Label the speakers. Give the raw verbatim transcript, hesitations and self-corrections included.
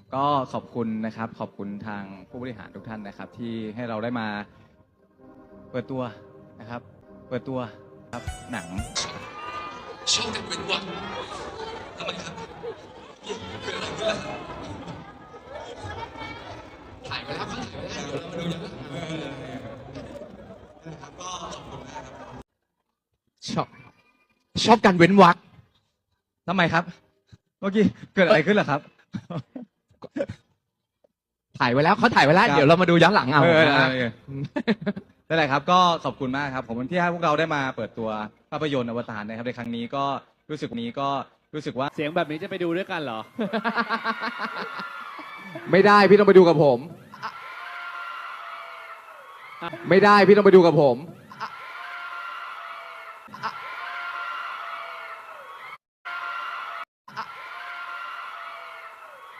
Speaker 1: ก็ขอบคุณนะครับขอบคุณทางผู้บริหารทุกท่านนะครับ ที่ให้เราได้มาเปิดตัวนะครับ เปิดตัวครับหนัง
Speaker 2: ชอบกันเป็นวักทำไมครับเกิดอะไรขึ้นล่ะถ่ายไปแล้วเขาถ่ายไปแล้วเดี๋ยวเรามาดูอย่างนะครับก็ขอบคุณมากครับ
Speaker 3: ชอบชอบการเว้นวรรค
Speaker 1: ทำไมครับ เมื่อกี้เกิดอะไรขึ้นล่ะครับ
Speaker 3: ถ่ายไว้แล้วเขาถ่ายไว้แล้วเดี๋ยวเรามาดูย้อนหลังเอา
Speaker 1: นั่นแหละครับก็ขอบคุณมากครับผมที่ให้พวกเราได้มาเปิดตัวภาพยนตร์อวตารนะครับในครั้งนี้ก็รู้สึกนี้ก็รู้สึกว่า
Speaker 4: เสียงแบบนี้จะไปดูด้วยกันเหรอ
Speaker 3: ไม่ได้พี่ต้องไปดูกับผม ไม่ได้พี่ต้องไปดูกับผม